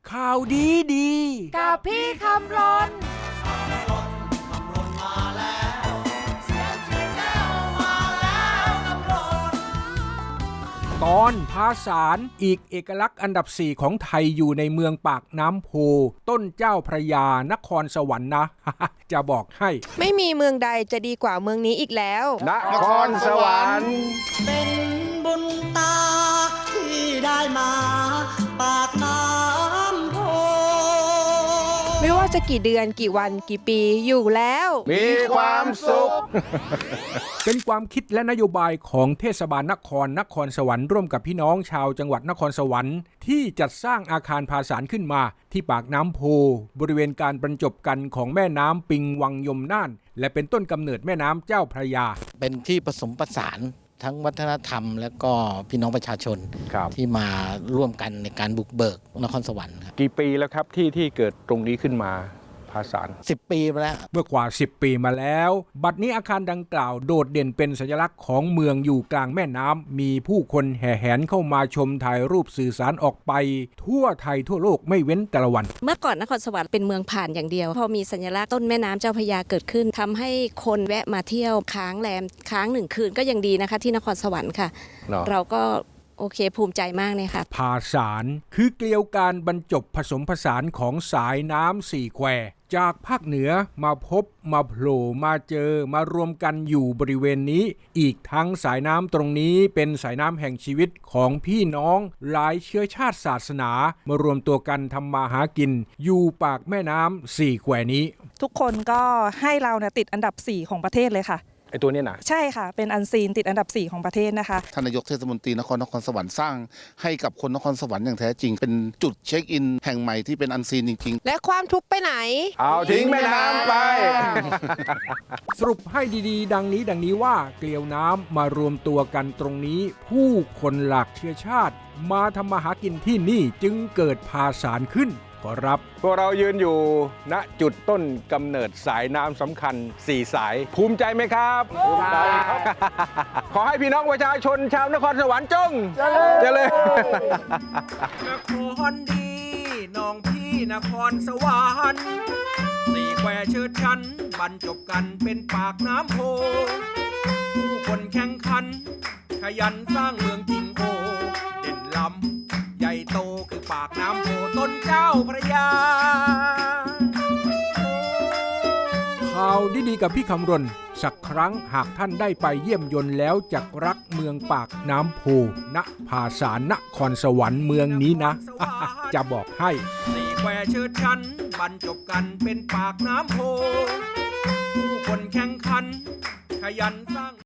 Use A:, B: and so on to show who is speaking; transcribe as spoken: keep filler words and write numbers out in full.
A: ข่าวดีดี
B: กับพี่คำรน
A: ตอนภาษานอีกเอกลักษณ์อันดับสี่ของไทยอยู่ในเมืองปากน้ำโพต้นเจ้าพระยานครสวรรค์นะ จะบอกให้
C: ไม่มีเมืองใดจะดีกว่าเมืองนี้อีกแล้ว
A: นครสวรรค์
D: เป็นบุญตาที่ได้มาปากน้ำโพ
C: ไม่ว่าจะกี่เดือนกี่วันกี่ปีอยู่แล้ว
A: มีความสุข เป็นความคิดและนโยบายของเทศบาลนครนครสวรรค์ร่วมกับพี่น้องชาวจังหวัดนครสวรรค์ที่จัดสร้างอาคารภาษานขึ้นมาที่ปากน้ำโพบริเวณการบรรจบกันของแม่น้ำปิงวังยมน่านและเป็นต้นกำเนิดแม่น้ำเจ้าพระยา
E: เป็นที่ผสมผสานทั้งวัฒนธรรมและก็พี่น้องประชาชนที่มาร่วมกันในการบุกเบิกนครสวรรค์ครับ
A: กี่ปีแล้วครับที่ที่เกิดตรงนี้ขึ้นมาภาษาน
E: สิบปีมาแล้ว
A: เมื่อกว่าสิบปีมาแล้วบัดนี้อาคารดังกล่าวโดดเด่นเป็นสัญลักษณ์ของเมืองอยู่กลางแม่น้ำมีผู้คนแห่แหนเข้ามาชมถ่ายรูปสื่อสารออกไปทั่วไทยทั่วโลกไม่เว้นแต่ละวัน
C: เมื่อก่อนนครสวรรค์เป็นเมืองผ่านอย่างเดียวพอมีสัญลักษณ์ต้นแม่น้ำเจ้าพระยาเกิดขึ้นทำให้คนแวะมาเที่ยวค้างแรมค้างหนึ่งคืนก็ยังดีนะคะที่นครสวรรค์ค่ะ no. เราก็โอเคภูมิใจมากเลยค่ะ
A: ภาษานคือเกลียวการบรรจบผสมผสานของสายน้ำสี่แควจากภาคเหนือมาพบมาโผล่มาเจอมารวมกันอยู่บริเวณนี้อีกทั้งสายน้ำตรงนี้เป็นสายน้ำแห่งชีวิตของพี่น้องหลายเชื้อชาติศาสนามารวมตัวกันทำมาหากินอยู่ปากแม่น้ำสี่แควนี้
F: ทุกคนก็ให้เราเนี่ยติดอันดับสี่ของประเทศเลยค่ะ
A: ไอตัวนี้นะ
F: ใช่ค่ะเป็นอันซีนติดอันดับสี่ของประเทศนะคะ
G: ท่านนายกเทศมนตรีนครนครสวรรค์สร้างให้กับคนนครสวรรค์อย่างแท้จริงเป็นจุดเช็คอินแห่งใหม่ที่เป็นอันซีนจริง
C: ๆและความทุกข์ไปไหน
A: เอาทิ้งแม่น้ำไป สรุปให้ดีๆดังนี้ดังนี้ว่าเกลียวน้ำมารวมตัวกันตรงนี้ผู้คนหลากเชื้อชาติมาทำมาหากินที่นี่จึงเกิดภาษานขึ้นขอรับพวกเรายืนอยู่ณจุดต้นกำเนิดสายน้ำสำคัญสี่สายภูมิใจไหมครับภูมิใจครับขอให้พี่น้องประชาชนชาวนครสวรรค์จงเจริญนครดีน้องพี่นครสวรรค์สี่แควเชิดชันบรรจบกันเป็นปากน้ำโพผู้คนแข่งขันขยันสร้างเมืองจริงโอเด่นล้ำใหญ่โตคือปากน้ำโพต้นเจ้าพระยาข่าวดีๆกับพี่คำรณสักครั้งหากท่านได้ไปเยี่ยมยนต์แล้วจักรักเมืองปากน้ำโพณภาษานนครสวรรค์เมืองนี้นะ จะบอกให้สี่แควเชิดชันบรรจบกันเป็นปากน้ำโพผู้คนแข่งขันขยันสร้าง